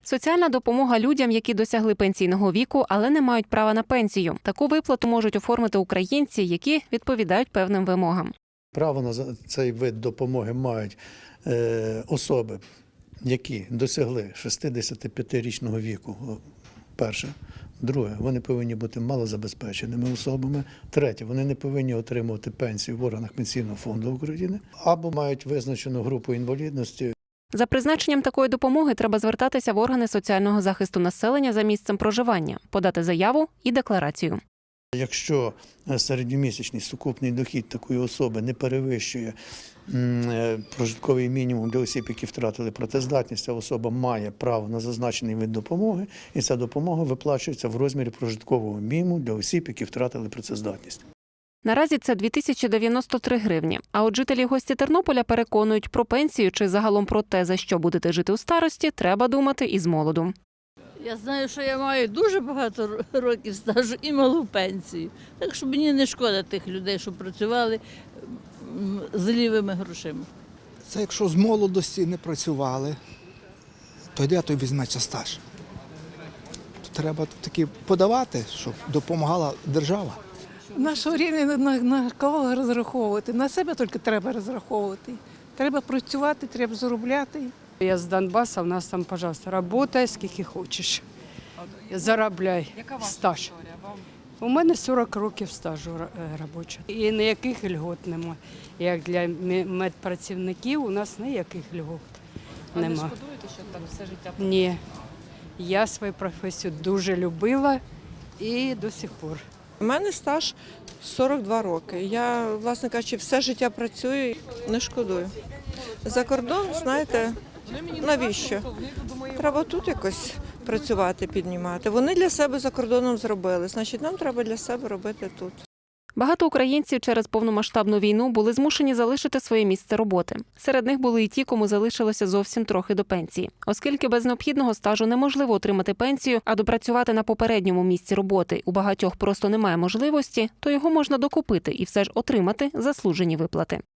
Соціальна допомога людям, які досягли пенсійного віку, але не мають права на пенсію. Таку виплату можуть оформити українці, які відповідають певним вимогам. Право на цей вид допомоги мають особи, які досягли 65-річного віку. Перше. Друге, вони повинні бути малозабезпеченими особами. Третє, вони не повинні отримувати пенсію в органах Пенсійного фонду України або мають визначену групу інвалідності. За призначенням такої допомоги треба звертатися в органи соціального захисту населення за місцем проживання, подати заяву і декларацію. Якщо середньомісячний сукупний дохід такої особи не перевищує прожитковий мінімум для осіб, які втратили працездатність, а особа має право на зазначений вид допомоги, і ця допомога виплачується в розмірі прожиткового мінімуму для осіб, які втратили працездатність. Наразі це 2093 гривні. А от жителі гості Тернополя переконують, про пенсію чи загалом про те, за що будете жити у старості, треба думати із молоду. Я знаю, що я маю дуже багато років стажу і малу пенсію. Так що мені не шкода тих людей, що працювали з лівими грошима. Це якщо з молодості не працювали, то де той візьметься стаж? То треба таки подавати, щоб допомагала держава. В наше рівня на кого розраховувати? На себе тільки треба розраховувати. Треба працювати, треба заробляти. Я з Донбасу, у нас там, пожалуйста, работай скільки хочеш. Заробляй стаж. У мене 40 років стажу робочого. І ніяких льгот немає. Як для медпрацівників у нас ніяких льгот немає. А не шкодуєте, що так все життя? Ні. Я свою професію дуже любила і до сих пор. У мене стаж 42 роки. Я, власне кажучи, все життя працюю, не шкодую. За кордон, знаєте, навіщо? Треба тут якось працювати, піднімати. Вони для себе за кордоном зробили, значить нам треба для себе робити тут. Багато українців через повномасштабну війну були змушені залишити своє місце роботи. Серед них були і ті, кому залишилося зовсім трохи до пенсії. Оскільки без необхідного стажу неможливо отримати пенсію, а допрацювати на попередньому місці роботи у багатьох просто немає можливості, то його можна докупити і все ж отримати заслужені виплати.